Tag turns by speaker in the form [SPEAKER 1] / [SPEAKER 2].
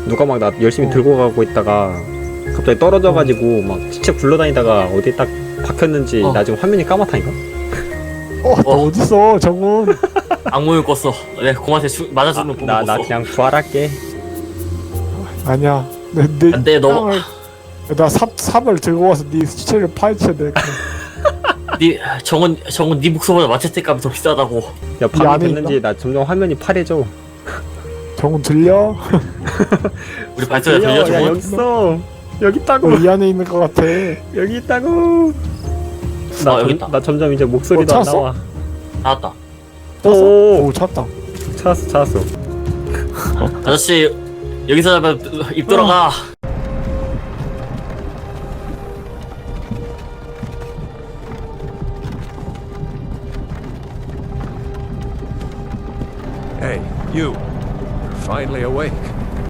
[SPEAKER 1] 누가 막 나 열심히 들고 가고 있다가 갑자기 떨어져가지고 막 시체 굴러다니다가 어디에 딱 박혔는지 나중에 화면이 까맣다니까?
[SPEAKER 2] 너 어딨어 정훈.
[SPEAKER 3] 악몽을 꿨어. 내 공한테 맞아 죽는 꿈을
[SPEAKER 1] 나
[SPEAKER 3] 꿨어.
[SPEAKER 1] 그냥 부활할게.
[SPEAKER 2] 아니야.
[SPEAKER 3] 안 돼, 너.
[SPEAKER 2] 나 삽을 들고 와서 네 시체를 파헤쳐야 돼.
[SPEAKER 3] 니 정은 니 목숨보다 마체테 값이 더 비싸다고.
[SPEAKER 1] 야 밤이
[SPEAKER 2] 안에
[SPEAKER 1] 됐는지 나 점점 화면이 파래져.
[SPEAKER 2] 정훈 들려?
[SPEAKER 3] 우리 발소리가 들려
[SPEAKER 1] 야
[SPEAKER 3] 정은?
[SPEAKER 1] 여기 있어. 여기 있다고.
[SPEAKER 2] 이 안에 있는 것 같아.
[SPEAKER 1] 여기 있다고.
[SPEAKER 3] 여기 있다.
[SPEAKER 1] 나 점점 이제 목소리도 안
[SPEAKER 2] 찾았어?
[SPEAKER 1] 나와.
[SPEAKER 3] 나왔다.
[SPEAKER 1] 오,
[SPEAKER 2] 찾았다.
[SPEAKER 1] 찾았어.
[SPEAKER 3] 아저씨 여기서 하면 입 돌아가.
[SPEAKER 4] Hey, you. You're finally awake.